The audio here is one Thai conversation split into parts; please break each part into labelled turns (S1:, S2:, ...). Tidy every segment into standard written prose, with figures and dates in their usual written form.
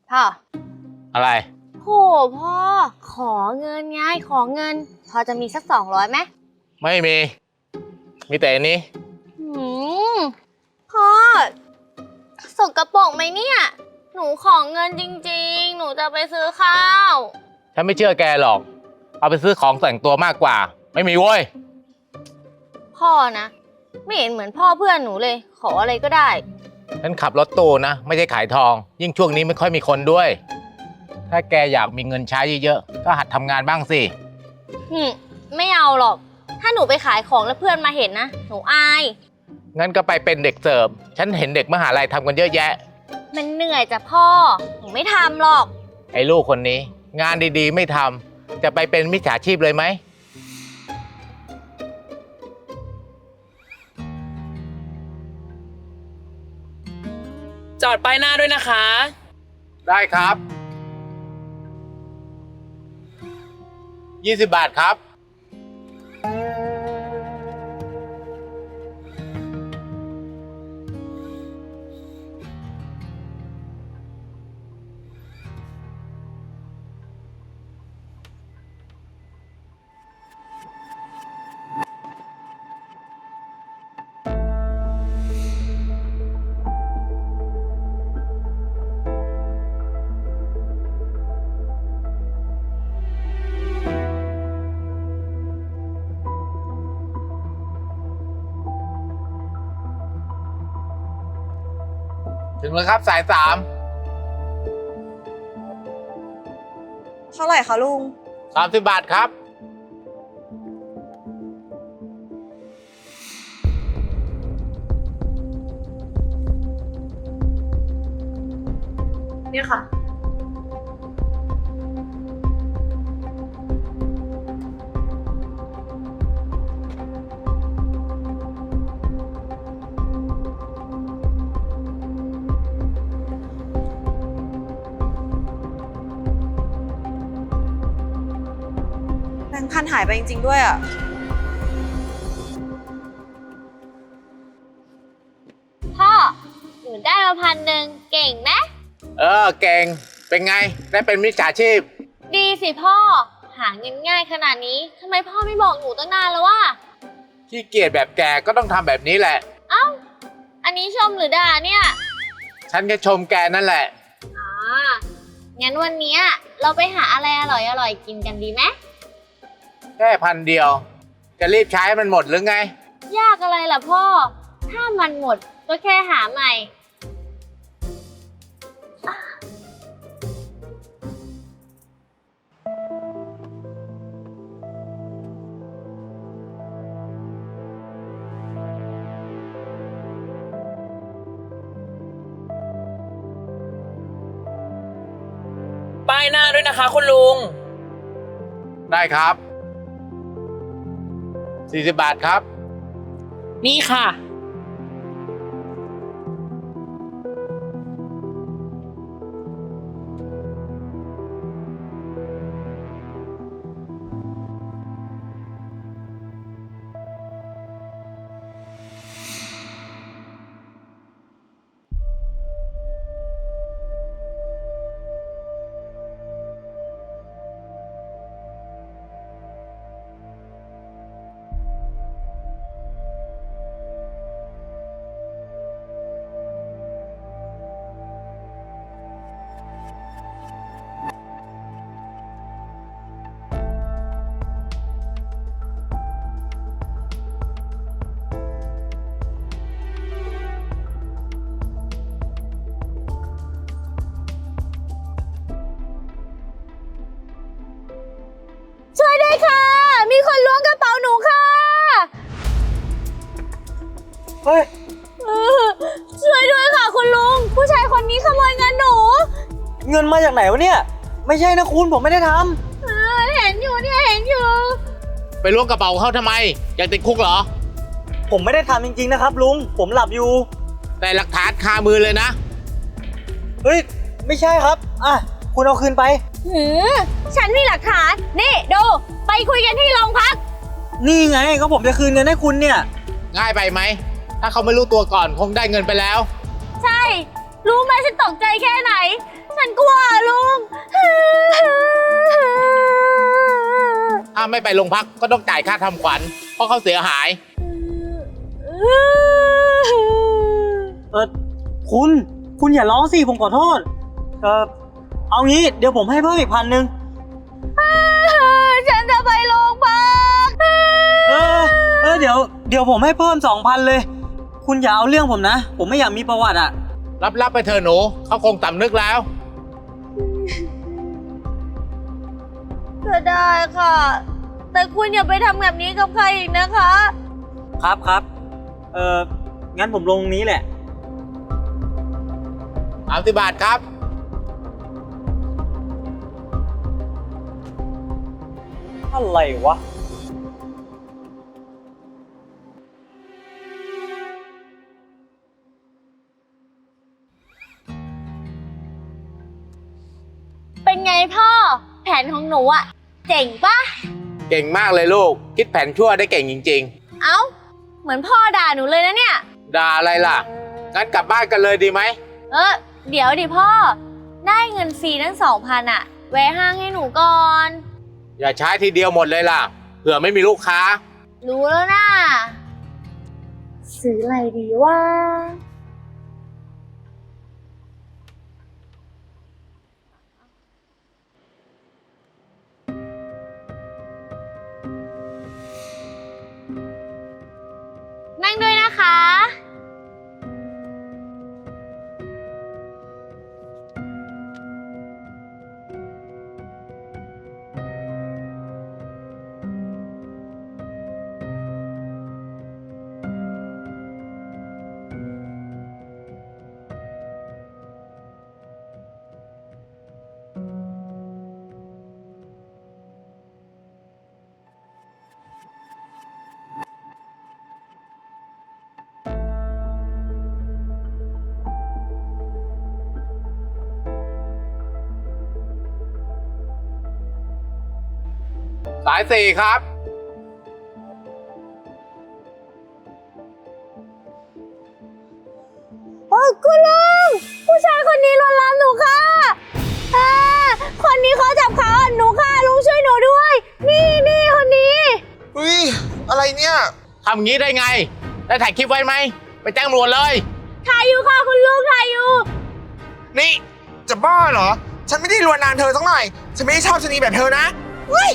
S1: พ่อ
S2: อะไร
S1: โหพ่อขอเงินไงขอเงินพอจะมีสัก200ไหม
S2: ไม่มีแต่อันนี้
S1: พ่อสกปรกไหมเนี่ยหนูขอเงินจริงๆหนูจะไปซื้อข้าว
S2: ฉันไม่เชื่อแกหรอกเอาไปซื้อของแต่งตัวมากกว่าไม่มีเว้ย
S1: พ่อนะไม่เห็นเหมือนพ่อเพื่อนหนูเลยขออะไรก็ได้
S2: ฉันขับรถตู้นะไม่ใช่ขายทองยิ่งช่วงนี้ไม่ค่อยมีคนด้วยถ้าแกอยากมีเงินใช้เยอะๆก็หัดทำงานบ้างสิ
S1: ไม่เอาหรอกถ้าหนูไปขายของแล้วเพื่อนมาเห็นนะหนูอาย
S2: งั้นก็ไปเป็นเด็กเสิร์ฟฉันเห็นเด็กมหาลัยทำกันเยอะแยะ
S1: มันเหนื่อยจ้ะพ่อหนูไม่ทำหรอก
S2: ไอ้ลูกคนนี้งานดีๆไม่ทำจะไปเป็นมิจฉาชีพเลยไหม
S3: จอดป้ายหน้าด้วยนะคะ
S2: ได้ครับ20 บาทครับถึงแล้วครับสาย3
S4: เท่าไหร่คะลุง
S2: 30 บาทครับ
S4: นี่ค่ะแบงค์พันหายไปจริงๆด้วยอ่ะ
S1: พ่อหนูได้มา1,000เก่งไหม
S2: เก่งเป็นไงได้เป็นมิจฉาชีพ
S1: ดีสิพ่อหาเงินง่ายขนาดนี้ทำไมพ่อไม่บอกหนูตั้งนานแล้ววะ
S2: ขี้เกียจแบบแกก็ต้องทำแบบนี้แหละ
S1: เอ้าอันนี้ชมหรือด่าเนี่ย
S2: ฉันแค่ชมแกนั่นแหละ
S1: งั้นวันนี้เราไปหาอะไรอร่อยๆกินกันดีไหม
S2: แค่1,000จะรีบใช้มันหมดหรือไง
S1: ยากอะไรล่ะพ่อถ้ามันหมดก็แค่หาใหม่
S3: ป้ายหน้าด้วยนะคะคุณลุง
S2: ได้ครับ40 บาทครับ
S3: นี่ค่ะ
S1: ช่วยด้วยค่ะมีคนล้วงกระเป๋าหนูค่ะ
S4: เฮ้ย
S1: ช่วยด้วยค่ะคุณลุงผู้ชายคนนี้ขโมยเงินหนู
S4: เงินมาจากไหนวะเนี่ยไม่ใช่นะคุณผมไม่ได้ท
S1: ำเห็นอยู่เนี่ยเห็นอยู่
S2: ไปล้วงกระเป๋าเขาทำไมอยากติดคุกเหรอ
S4: ผมไม่ได้ทำจริงๆนะครับลุงผมหลับอยู่
S2: แต่หลักฐานคามือเลยนะ
S4: เฮ้ยไม่ใช่ครับคุณเอาคืนไป
S1: ฉันมีหลักฐานนี่ดูไปคุยกันที่โรงพัก
S4: นี่ไงก็ผมจะคืนเงินให้คุณเนี่ย
S2: ง่ายไปไหมถ้าเขาไม่รู้ตัวก่อนคงได้เงินไปแล้ว
S1: ใช่รู้ไหมฉันตกใจแค่ไหน ฉันกลัวลุง
S2: ถ้าไม่ไปโรงพักก็ต้องจ่ายค่าทำขวัญเพราะเขาเสียหาย
S4: เออคุณอย่าร้องสิผมขอโทษ เอางี้เดี๋ยวผมให้เพิ่มอีก1,000
S1: ฉันจะไปโรงพัก
S4: เดี๋ยวผมให้เพิ่ม2,000เลย คุณอย่าเอาเรื่องผมนะ ผมไม่อยากมีประวัติอ่ะ
S2: รับไปเถอะหนูเขาคงสำนึกแล้ว
S1: ก็ได้ค่ะ แต่คุณอย่าไปทำแบบนี้กับใครอีกนะคะ
S4: ครับงั้นผมลงนี้แหละ
S2: 30 บาทครับ
S4: อะไรวะ
S1: เป็นไงพ่อ แผนของหนูอะเจ๋งปะ
S2: เก่งมากเลยลูก คิดแผนชั่วได้เก่งจริง
S1: เอ้า เหมือนพ่อด่าหนูเลยนะเนี่ย
S2: ๆ ด่าอะไรล่ะ งั้นกลับบ้านกันเลยดีไหม
S1: เดี๋ยวดิพ่อ ได้เงินฟรีทั้ง2,000อะแวะห้างให้หนูก่อน
S2: อย่าใช้ทีเดียวหมดเลยล่ะ เผื่อไม่มีลูกค้า
S1: รู้แล้วนะซื้ออะไรดีว่า นั่งด้วยนะคะ
S2: สาย 4 ครับ
S1: คุณลุง ผู้ชายคนนี้ลวนลามหนูค่ะคนนี้เขาจับขาอ่อนหนูค่ะ ลุงช่วยหนูด้วย นี่คนนี้
S5: เฮ้ย อะไรเนี่ย
S2: ทำงี้ได้ไง ได้ถ่ายคลิปไว้ไหม ไปแจ้งตำรวจเลย
S1: ถ่ายอยู่ค่ะคุณลุงถ่ายอยู่
S5: นี่ จะบ้าเหรอ ฉันไม่ได้ลวนลามเธอสักหน่อย ฉันไม่ได้ชอบชะนีแบบเธอนะเฮ้ย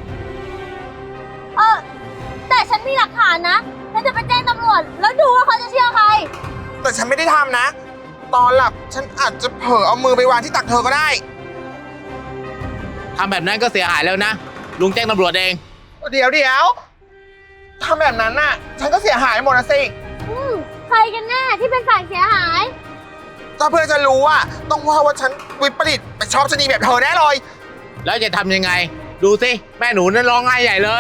S1: แต่ฉันมีหลักฐานนะฉันจะไปแจ้งตำรวจ แล้วดูว่าเขาจะเชื่อใคร
S5: แต่ฉันไม่ได้ทำนะ ตอนหลับฉันอาจจะเผลอเอามือไปวางที่ตักเธอก็ได้
S2: ทำแบบนั้นก็เสียหายแล้วนะ ลุงแจ้งตำรวจเอง
S5: เดี๋ยวทำแบบนั้นน่ะ ฉันก็เสียหายหมดนะสิ
S1: ใครกันแน่ที่เป็นฝ่ายเสียหาย
S5: ถ้าเพื่อนจะรู้อ่ะ ต้องว่าฉันวิปริตไปชอบชะนีแบบเธอแน่เลย
S2: แล้วจะทำยังไง ดูสิ แม่หนูนั่นร้องไห้ใหญ่เลย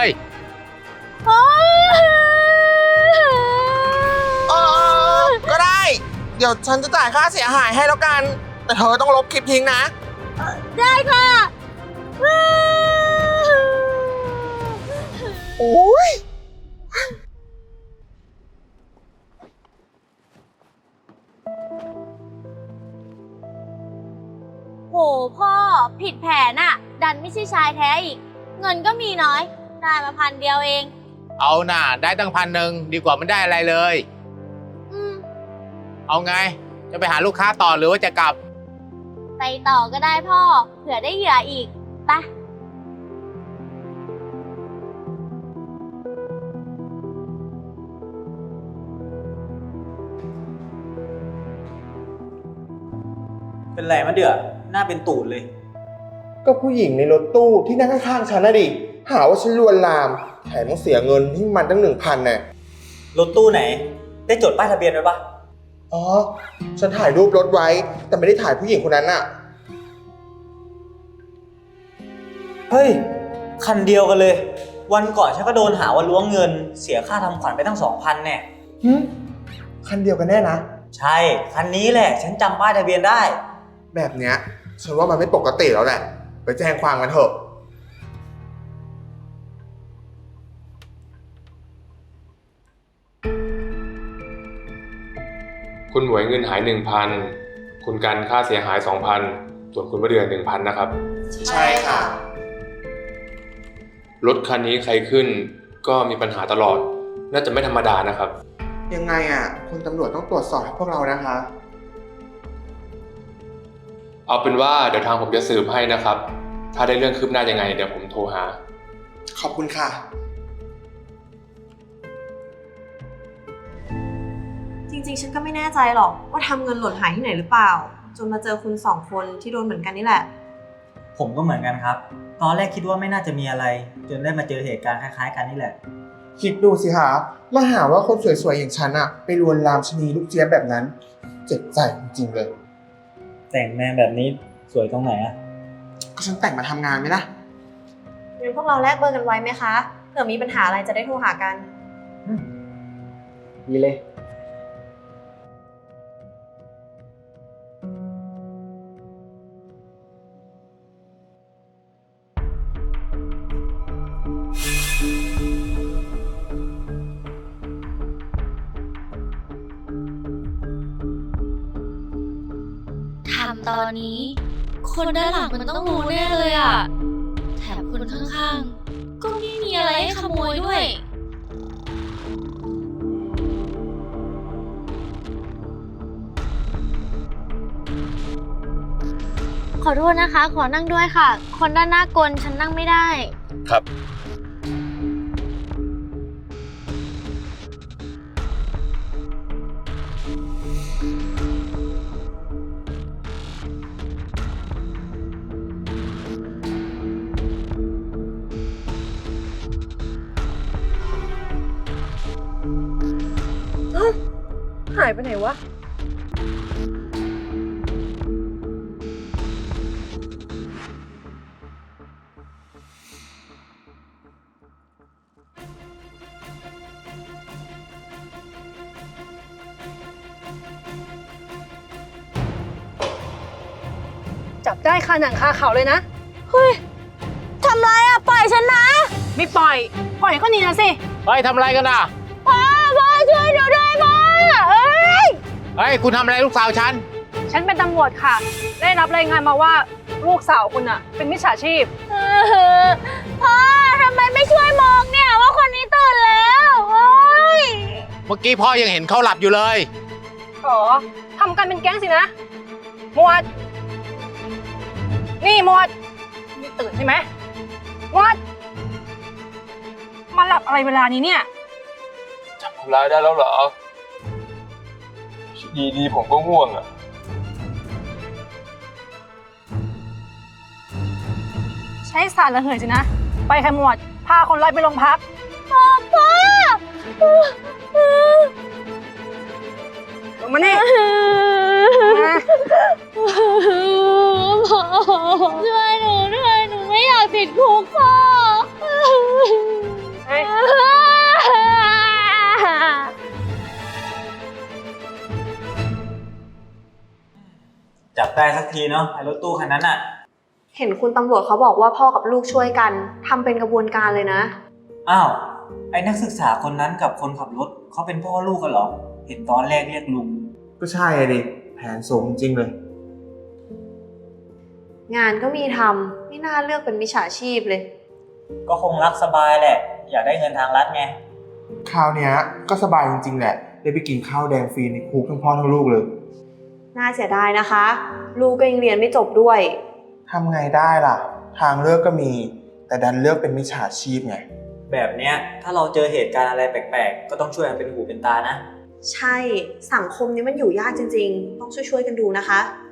S5: ก็ได้ เดี๋ยวฉันจะจ่ายค่าเสียหายให้แล้วกัน แต่เธอต้องลบคลิปทิ้งนะ
S1: ได้ค่ะ
S5: โอ้ย
S1: โหพ่อผิดแผนอะดันไม่ใช่ชายแท้อีก เงินก็มีน้อย ได้มา1,000 เดียวเอง
S2: เอาน่ะ ได้ตั้ง1,000ดีกว่าไม่ได้อะไรเลย
S1: อืม
S2: เอาไง จะไปหาลูกค้าต่อหรือว่าจะกลับ
S1: ไปต่อก็ได้พ่อ เผื่อได้เหยื่ออีกไป
S4: เป็นไรมะเดือหน้าเป็นตูดเลย
S5: ก็ผู้หญิงในรถตู้ที่นั่งข้างๆฉันน่ะดิ หาว่าฉันลวนลาม แถมต้องเสียเงินให้มันตั้ง 1,000น่ะ
S4: รถตู้ไหน ได้จดป้ายทะเบียนไว้ปะ
S5: อ๋อ ฉันถ่ายรูปรถไว้ แต่ไม่ได้ถ่ายผู้หญิงคนนั้นน่ะ
S4: เฮ้ย คันเดียวกันเลย วันก่อนฉันก็โดนหาว่าล้วงเงิน เสียค่าทำขวัญไปตั้ง 2,000แน่
S5: คันเดียวกันแน่นะ
S4: ใช่ คันนี้แหละ ฉันจำป้ายทะเบียนได้
S5: แบบเนี้ย ฉันว่ามันไม่ปกติแล้วแหละ ไปแจ้งความกันเถอะ
S6: คุณหมวยเงินหาย 1,000 คุณกันค่าเสียหาย 2,000 ส่วนคุณมะเดือ 1,000 นะครับ
S5: ใช่ค่ะ
S6: รถคันนี้ใครขึ้นก็มีปัญหาตลอด น่าจะไม่ธรรมดานะครับ
S5: ยังไงอ่ะ คุณตำรวจต้องตรวจสอบให้พวกเรานะคะ
S6: เอาเป็นว่าเดี๋ยวทางผมจะสืบให้นะครับ ถ้าได้เรื่องคืบหน้ายังไงเดี๋ยวผมโทรหา
S5: ขอบคุณค่ะ
S7: จริงๆ ฉันก็ไม่แน่ใจหรอกว่าทำเงินหล่นหายที่ไหนหรือเปล่า จนมาเจอคุณสองคนที่โดนเหมือนกันนี่แหละ
S4: ผมก็เหมือนกันครับ ตอนแรกคิดว่าไม่น่าจะมีอะไร จนได้มาเจอเหตุการณ์คล้ายๆกันนี่แหละ
S5: คิดดูสิคะมาหาว่าคนสวยๆอย่างฉันอะไปลวนลามชะนีลูกเจี๊ยบแบบนั้น เจ็บใจจริงๆเลย
S4: แต่งแม่แบบนี้สวยตรงไหนอะ
S5: ก็ฉันแต่งมาทำงานไหมล่ะ
S7: งั้นพวกเราแลกเบอร์กันไว้ไหมคะ เผื่อมีปัญหาอะไรจะได้โทรหากัน
S4: ดีเลย
S1: ทำตอนนี้ คนด้านหลังมันต้องรู้แน่เลยอ่ะ แถมคนข้างๆ ก็ไม่มีอะไรให้ขโมยด้วย ขอโทษนะคะ ขอนั่งด้วยค่ะ คนด้านหน้ากลฉันนั่งไม่ได้
S6: ครับ
S7: หายไปไหนวะ
S8: จับได้คาหนังคาเขาเลยนะ
S1: ทำไรอ่ะ ปล่อยฉันนะ
S8: ไม่ปล่อย ปล่อยก็หนีนะสิ
S2: เฮ้ยทำอะไรกันอ่ะ
S1: พ่อช่วยหนูด้วยพ่อเอ้ย
S2: เฮ้ยคุณทำอะไรลูกสาวฉัน
S8: ฉันเป็นตำรวจค่ะ ได้รับรายงานมาว่าลูกสาวคุณอะเป็นมิจฉาชีพ
S1: พ่อทำไมไม่ช่วยมองเนี่ยว่าคนนี้ตื่นแล้วโอ้ย
S2: เมื่อกี้พ่อยังเห็นเขาหลับอยู่เลย
S8: อ๋อ ทำกันเป็นแก๊งสินะ หมวด นี่หมวดนี่ตื่นใช่ไหมหมวด มาหลับอะไรเวลานี้เนี่ย
S6: จับคนร้ายได้แล้วเหรอ ดีๆผมก็ง่วงอ่ะ
S8: ใช้สารระเหยสินะ ไปค่ะหมวด พาคนร้ายไปโรงพัก
S1: พ่อ
S8: ลงมานี่ มา
S1: พ่อช่วยหนูด้วยหนูไม่อยากติดคุกพ่อ
S8: เฮ้ย
S4: จับได้สักทีเนาะไอ้รถตู้คันนั้นอะ
S7: เห็นคุณตำรวจเขาบอกว่าพ่อกับลูกช่วยกันทำเป็นกระบวนการเลยนะ
S4: อ้าว ไอ้นักศึกษาคนนั้นกับคนขับรถเขาเป็นพ่อลูกกันเหรอ เห็นตอนแรกเรียกลุง
S5: ก็ใช่อะดิ แผนสูงจริงเลย
S7: งานก็มีทำไม่น่าเลือกเป็นมิจฉาชีพเลย
S4: ก็คงรักสบายแหละ อยากได้เงินทางรัฐไง
S5: คราวเนี้ยก็สบายจริงๆแหละ ได้ไปกินข้าวแดงฟรีในคุกทั้งพ่อทั้งลูกเลย
S7: น่าเสียดายนะคะ ลูกก็ยังเรียนไม่จบด้วย
S5: ทำไงได้ล่ะ ทางเลือกก็มี แต่ดันเลือกเป็นมิจฉาชีพไง
S4: แบบเนี้ยถ้าเราเจอเหตุการณ์อะไรแปลกๆ ก็ต้องช่วยกันเป็นหูเป็นตานะ
S7: ใช่ สังคมนี้มันอยู่ยากจริงๆ ต้องช่วยๆกันดูนะคะ